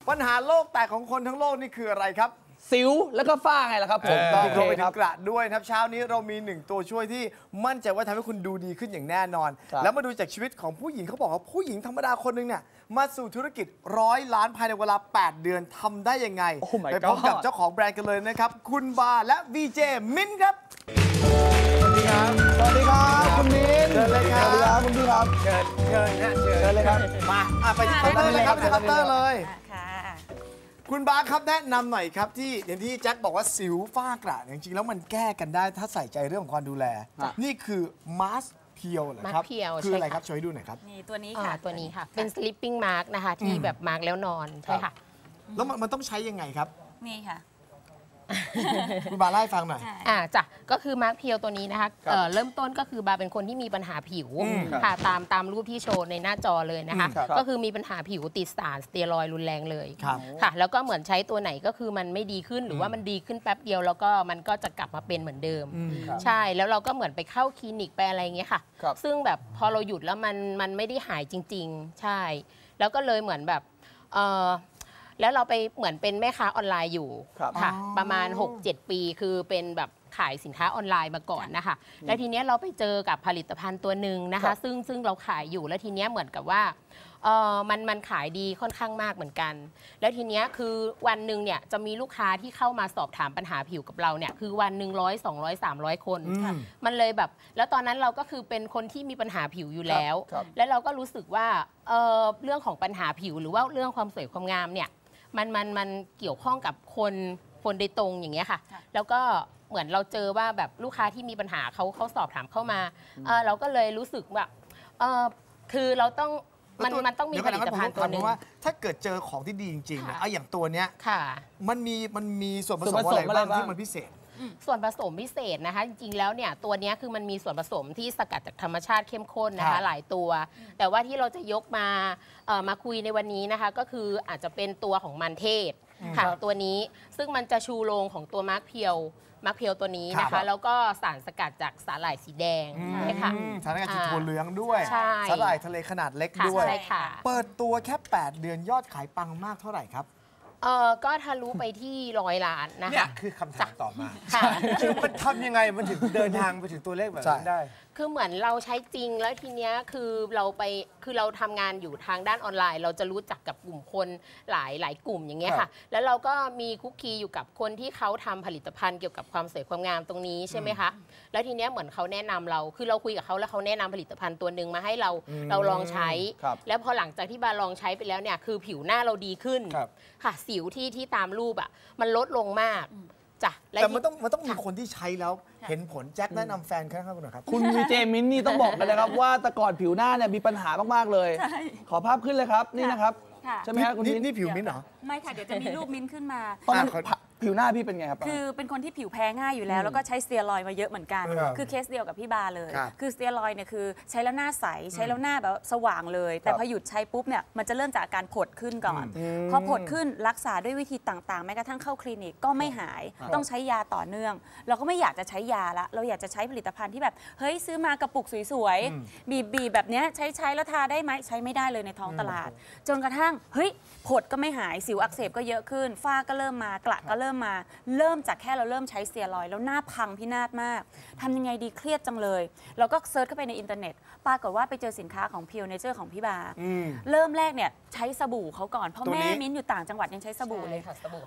ปัญหาโลกแตกของคนทั้งโลกนี่คืออะไรครับสิวแล้วก็ฝ้าไงล่ะครับผมต้องรวมไปถึงกระด้วยครับเช้านี้เรามี1ตัวช่วยที่มั่นใจว่าทำให้คุณดูดีขึ้นอย่างแน่นอนแล้วมาดูจากชีวิตของผู้หญิงเขาบอกว่าผู้หญิงธรรมดาคนหนึ่งเนี่ยมาสู่ธุรกิจ100 ล้านภายในเวลา8 เดือนทำได้ยังไงไปพบกับเจ้าของแบรนด์กันเลยนะครับคุณบาและวีเจมิ้นครับสวัสดีครับสวัสดีครับคุณมิ้นเชิญเลยครับสวัสดีครับคุณพี่ครับเชิญเลยครับมาไปที่เคาน์เตอร์เลยครับที่เคาน์เตอร์เลยค่ะคุณบาครับแนะนำหน่อยครับที่อย่างที่แจ็คบอกว่าสิวฝ้ากระจริงๆแล้วมันแก้กันได้ถ้าใส่ใจเรื่องของความดูแลนี่คือมาสเพียวเหรอครับคืออะไรครับช่วยดูหน่อยครับนี่ตัวนี้ค่ะตัวนี้ค่ะเป็น sleeping mask นะคะที่แบบมาร์กแล้วนอนใช่ค่ะแล้วมันต้องใช้ยังไงครับนี่ค่ะคุณบาเล่าให้ฟังหน่อยจ้ะก็คือมาร์กเพียวตัวนี้นะคะเริ่มต้นก็คือบาเป็นคนที่มีปัญหาผิวค่ะตามรูปที่โชว์ในหน้าจอเลยนะคะก็คือมีปัญหาผิวติดสารสเตียรอยด์รุนแรงเลยค่ะแล้วก็เหมือนใช้ตัวไหนก็คือมันไม่ดีขึ้นหรือว่ามันดีขึ้นแป๊บเดียวแล้วก็มันก็จะกลับมาเป็นเหมือนเดิมใช่แล้วเราก็เหมือนไปเข้าคลินิกไปอะไรเงี้ยค่ะซึ่งแบบพอเราหยุดแล้วมันไม่ได้หายจริงๆใช่แล้วก็เลยเหมือนแบบแล้วเราไปเหมือนเป็นแม่ค้าออนไลน์อยู่ค่ะประมาณ 6-7 ปีคือเป็นแบบขายสินค้าออนไลน์มาก่อนนะคะแล้วทีเนี้ยเราไปเจอกับผลิตภัณฑ์ตัวหนึ่งนะคะซึ่งเราขายอยู่แล้วทีเนี้ยเหมือนกับว่ามันขายดีค่อนข้างมากเหมือนกันแล้วทีเนี้ยคือวันหนึ่งเนี่ยจะมีลูกค้าที่เข้ามาสอบถามปัญหาผิวกับเราเนี่ยคือวันหนึ่ง100 200 300 คนมันเลยแบบแล้วตอนนั้นเราก็คือเป็นคนที่มีปัญหาผิวอยู่แล้วแล้วเราก็รู้สึกว่าเรื่องของปัญหาผิวหรือว่าเรื่องความสวยความงามเนี่ยมันเกี่ยวข้องกับคนโดยตรงอย่างเงี้ยค่ะแล้วก็เหมือนเราเจอว่าแบบลูกค้าที่มีปัญหาเขาสอบถามเข้ามาเราก็เลยรู้สึกว่าคือเราต้องมันต้องมีผลิตภัณฑ์ตัวนึงว่าถ้าเกิดเจอของที่ดีจริงๆนะอย่างตัวเนี้ยมันมีส่วนผสมอะไรบ้างที่มันพิเศษส่วนผสมพิเศษนะคะจริงๆแล้วเนี่ยตัวนี้คือมันมีส่วนผสมที่สกัดจากธรรมชาติเข้มข้นนะคะหลายตัวแต่ว่าที่เราจะยกมาคุยในวันนี้นะคะก็คืออาจจะเป็นตัวของมันเทศค่ะตัวนี้ซึ่งมันจะชูโรงของตัวมาร์คเพียวตัวนี้นะคะแล้วก็สารสกัดจากสาหร่ายสีแดงนะคะสารสกัดจากถั่วเหลืองด้วยสาหร่ายทะเลขนาดเล็กด้วยเปิดตัวแค่8 เดือนยอดขายปังมากเท่าไหร่ครับก็ทะลุไปที่100 ล้านนะคะนี่คือคำถามต่อมาคือมันทำยังไงมันถึงเดินทางไปถึงตัวเลขแบบนั้นได้คือเหมือนเราใช้จริงแล้วทีเนี้ยคือเราทำงานอยู่ทางด้านออนไลน์เราจะรู้จักกับกลุ่มคนหลายกลุ่มอย่างเงี้ยค่ะแล้วเราก็มีคุกคีอยู่กับคนที่เขาทำผลิตภัณฑ์เกี่ยวกับความสวยความงามตรงนี้ใช่ไหมคะแล้วทีเนี้ยเหมือนเขาแนะนำเราคือเราคุยกับเขาแล้วเขาแนะนำผลิตภัณฑ์ตัวหนึ่งมาให้เราลองใช้แล้วพอหลังจากที่บาลองใช้ไปแล้วเนี่ยคือผิวหน้าเราดีขึ้นค่ะสิวที่ตามรูปอ่ะมันลดลงมากแต่มันต้องมีคนที่ใช้แล้วเห็นผลแจ็คแนะนำแฟนครับคุณหน่อยครับคุณวีเจมิ้นนี่ต้องบอกกันนะครับว่าแต่ก่อนผิวหน้าเนี่ยมีปัญหามากๆเลยขอภาพขึ้นเลยครับนี่นะครับใช่ไหมครับคุณมิ้นนี่ผิวมิ้นเหรอไม่ค่ะเดี๋ยวจะมีรูปมิ้นขึ้นมาตอนนั้นผิวหน้าพี่เป็นไงครับคือเป็นคนที่ผิวแพ้ง่ายอยู่แล้วแล้วก็ใช้สเตียรอยด์มาเยอะเหมือนกันคือเคสเดียวกับพี่บาเลยคือสเตียรอยด์เนี่ยคือใช้แล้วหน้าใสใช้แล้วหน้าแบบสว่างเลยแต่พอหยุดใช้ปุ๊บเนี่ยมันจะเริ่มจากอาการผดขึ้นก่อนพอผดขึ้นรักษาด้วยวิธีต่างๆแม้กระทั่งเข้าคลินิกก็ไม่หายต้องใช้ยาต่อเนื่องเราก็ไม่อยากจะใช้ยาละเราอยากจะใช้ผลิตภัณฑ์ที่แบบเฮ้ยซื้อมากระปุกสวยๆบีบแบบเนี้ยใช้แล้วทาได้ไหมใช้ไม่ได้เลยในท้องตลาดจนกระทั่งเฮ้ยผดก็ไม่หายสิวอักเสบก็เยอะขึ้นฝ้าก็เริ่มมากระก็เริ่มจากแค่เราเริ่มใช้สเตียรอยด์แล้วหน้าพังพินาศมากทำยังไงดีเครียดจังเลยเราก็เซิร์ชเข้าไปในอินเทอร์เน็ตปรากฏว่าไปเจอสินค้าของ Pure Nature ของพี่บาเริ่มแรกเนี่ยใช้สบู่เขาก่อนเพราะแม่มิ้นอยู่ต่างจังหวัดยังใช้สบู่เลย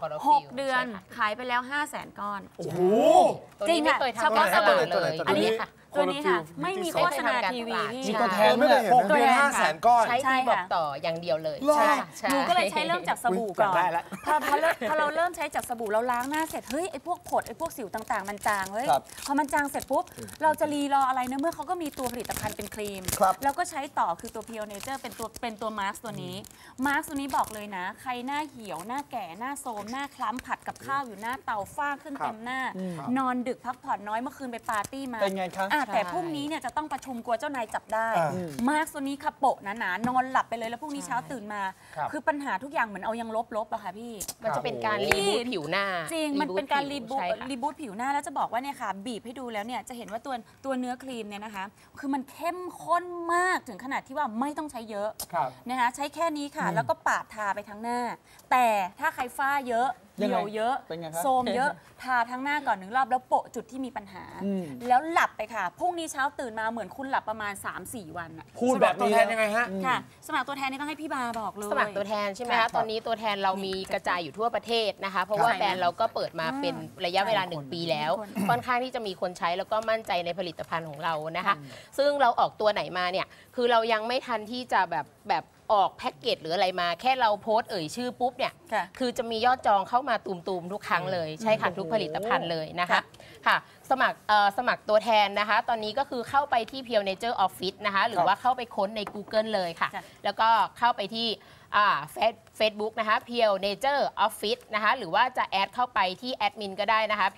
6 เดือนขายไปแล้ว500,000 ก้อนโอ้โหจริงค่ะเฉพาะสบู่เลยอันนี้ค่ะตัวนี้ค่ะไม่มีโฆษณาทีวีพี่มีตัวแทนไม่ได้ 6 เดือน500,000 ก้อนใช้ทีบอกต่ออย่างเดียวเลยหนูก็เลยใช้เริ่มจากสบู่ก่อนพอเราเริ่มใช้จากสบู่เราล้างหน้าเสร็จเฮ้ยไอ้พวกผดไอ้พวกสิวต่างๆมันจางเฮ้ยพอมันจางเสร็จปุ๊บเราจะรีรออะไรนะเมื่อเขาก็มีตัวผลิตภัณฑ์เป็นครีมแล้วก็ใช้ต่อคือตัว Pure Nature เป็นตัวมาร์คตัวนี้บอกเลยนะใครหน้าเหี่ยวหน้าแก่หน้าโทรมหน้าคล้ำผัดกับข้าวอยู่หน้าเตาฝ้าขึ้นเต็มหน้านอนดึกพักผ่อนน้อยเมื่อคืนไปปาร์ตี้มาเป็นไงคะแต่พรุ่งนี้เนี่ยจะต้องประชุมกลัวเจ้านายจับได้มาร์คตัวนี้ค่ะโปะหนาๆนอนหลับไปเลยแล้วพรุ่งนี้เช้าตื่นมา คือปัญหาทุกอย่างเหมือนเอายังลบๆอะค่ะพี่มันจะเป็นการรีบูทผิวหน้าจริงมันเป็นการรีบูทผิวหน้าแล้วจะบอกว่าเนี่ยค่ะบีบให้ดูแล้วเนี่ยจะเห็นว่าตัวเนื้อครีมเนี่ยนะคะคือมันเข้มข้นมากถึงขนาดที่ว่าไม่ต้องใช้เยอะนะคะใช้แค่นี้ค่ะแล้วก็ปาดทาไปทั้งหน้าแต่ถ้าใครฝ้าเยอะเหี่ยวเยอะโทรมเยอะทาทั้งหน้าก่อน1 รอบแล้วโปะจุดที่มีปัญหาแล้วหลับไปค่ะพรุ่งนี้เช้าตื่นมาเหมือนคุณหลับประมาณ 3-4 วันพูดแบบตัวแทนยังไงฮะค่ะสมัครตัวแทนนี่ต้องให้พี่บาบอกเลยสมัครตัวแทนใช่ไหมคะตอนนี้ตัวแทนเรามีกระจายอยู่ทั่วประเทศนะคะเพราะว่าแบรนด์เราก็เปิดมาเป็นระยะเวลา1 ปีแล้วค่อนข้างที่จะมีคนใช้แล้วก็มั่นใจในผลิตภัณฑ์ของเรานะคะซึ่งเราออกตัวไหนมาเนี่ยคือเรายังไม่ทันที่จะแบบออกแพ็กเกจหรืออะไรมาแค่เราโพสต์ชื่อปุ๊บเนี่ยคือจะมียอดจองเข้ามาตูมๆทุกครั้งเลยใช่ค่ะทุกผลิตภัณฑ์เลยนะคะค่ะสมัครตัวแทนนะคะตอนนี้ก็คือเข้าไปที่ Pure Nature Office นะคะหรือว่าเข้าไปค้นใน Google เลยค่ะแล้วก็เข้าไปที่Facebook นะคะ Pure Nature Office นะคะหรือว่าจะแอดเข้าไปที่แอดมินก็ได้นะคะ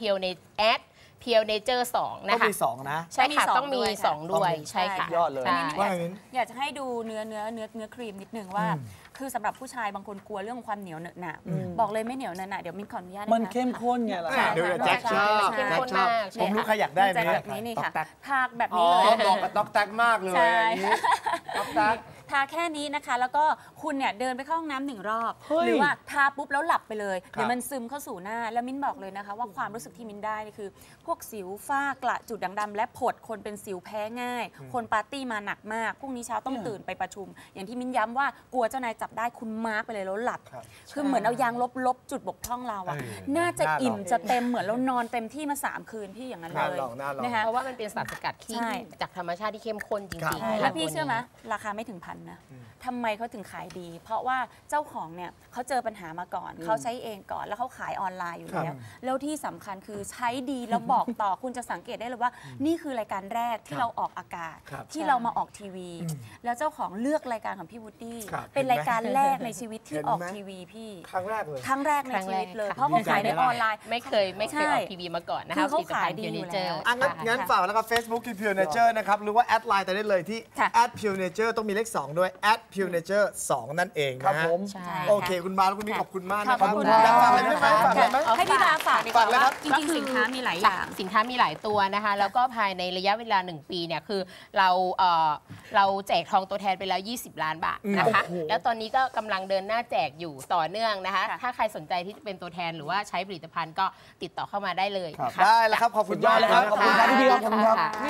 Pure Nature 2นะคะต้องมี2นะใช่ค่ะต้องมี2ด้วยใช่ค่ะยอดเลยอยากจะให้ดูเนื้อครีมนิดนึงว่าคือสำหรับผู้ชายบางคนกลัวเรื่องความเหนียวเหนอะหนะบอกเลยไม่เหนียวเหนอะหนะเดี๋ยวมิ้นขออนุญาตมันเข้มข้นไงล่ะเดี๋ยวแจ็คชอบผมรู้ใครอยากได้แบบนี้นี่ค่ะทาแบบนี้เลยเหมาะกับต๊อกแต๊กมากเลยต๊อกแต๊กทาแค่นี้นะคะแล้วก็คุณเนี่ยเดินไปเข้าห้องน้ำ1 รอบหรือว่าทาปุ๊บแล้วหลับไปเลยเดี๋ยวมันซึมเข้าสู่หน้าแล้วมิ้นบอกเลยนะคะว่าความรู้สึกที่มิ้นได้นี่คือพวกสิวฝ้ากระจุดด่างดำและผดคนเป็นสิวแพ้ง่ายคนปาร์ตี้มาหนักมากพรุ่งนี้เช้าต้องตื่นไปประชุมอย่างที่มิ้นย้ำว่ากลัวเจ้านายจับได้คุณมาร์กไปเลยแล้วหลับคือเหมือนเอายางลบจุดบกพร่องเราอะน่าจะอิ่มจะเต็มเหมือนเรานอนเต็มที่มา3 คืนพี่อย่างนั้นเลยนะคะเพราะว่ามันเป็นสารสกัดที่จากธรรมชาติที่เข้มข้นจริงๆแล้วพี่เชื่อไหมราคาไม่ถึง1,000นะทำไมเขาถึงขายดีเพราะว่าเจ้าของเนี่ยเขาเจอปัญหามาก่อนเขาใช้เองก่อนแล้วเขาขายออนไลน์อยู่แล้วที่สำคัญคือใช้ดีแล้วบอกต่อคุณจะสังเกตได้เลยว่านี่คือรายการแรกที่เราออกอากาศที่เรามาออกทีวีแล้วเจ้าของเลือกรายการของพี่วูดดี้เป็นรายการแรกในชีวิตที่ออกทีวีพี่ครั้งแรกเลยครั้งแรกในชีวิตเลยเพราะเขาขายในออนไลน์ไม่เคยออกทีวีมาก่อนนะคะเขาขายดีอยู่แล้วงั้นฝากแล้วก็ Facebook คือ Pure Nature นะครับหรือว่าแอดไลน์ได้เลยที่ @Pure Nature ต้องมีเลข2ด้วย @Pure Nature 2 นั่นเองครับผมโอเคคุณบาและคุณมิ้นขอบคุณมากนะครับขอบคุณฝากอะไรไหมให้พี่บาฝากดีกว่าว่าจริงๆสินค้ามีหลายอย่างสินค้ามีหลายตัวนะคะแล้วก็ภายในระยะเวลา1 ปีเนี่ยคือเราแจกทองตัวแทนไปแล้ว20 ล้านบาทนะคะแล้วตอนนี้ก็กำลังเดินหน้าแจกอยู่ต่อเนื่องนะคะถ้าใครสนใจที่จะเป็นตัวแทนหรือว่าใช้ผลิตภัณฑ์ก็ติดต่อเข้ามาได้เลยได้แล้วครับขอบคุณมากเลยครับขอบคุณครับพี่ขอบคุณครับ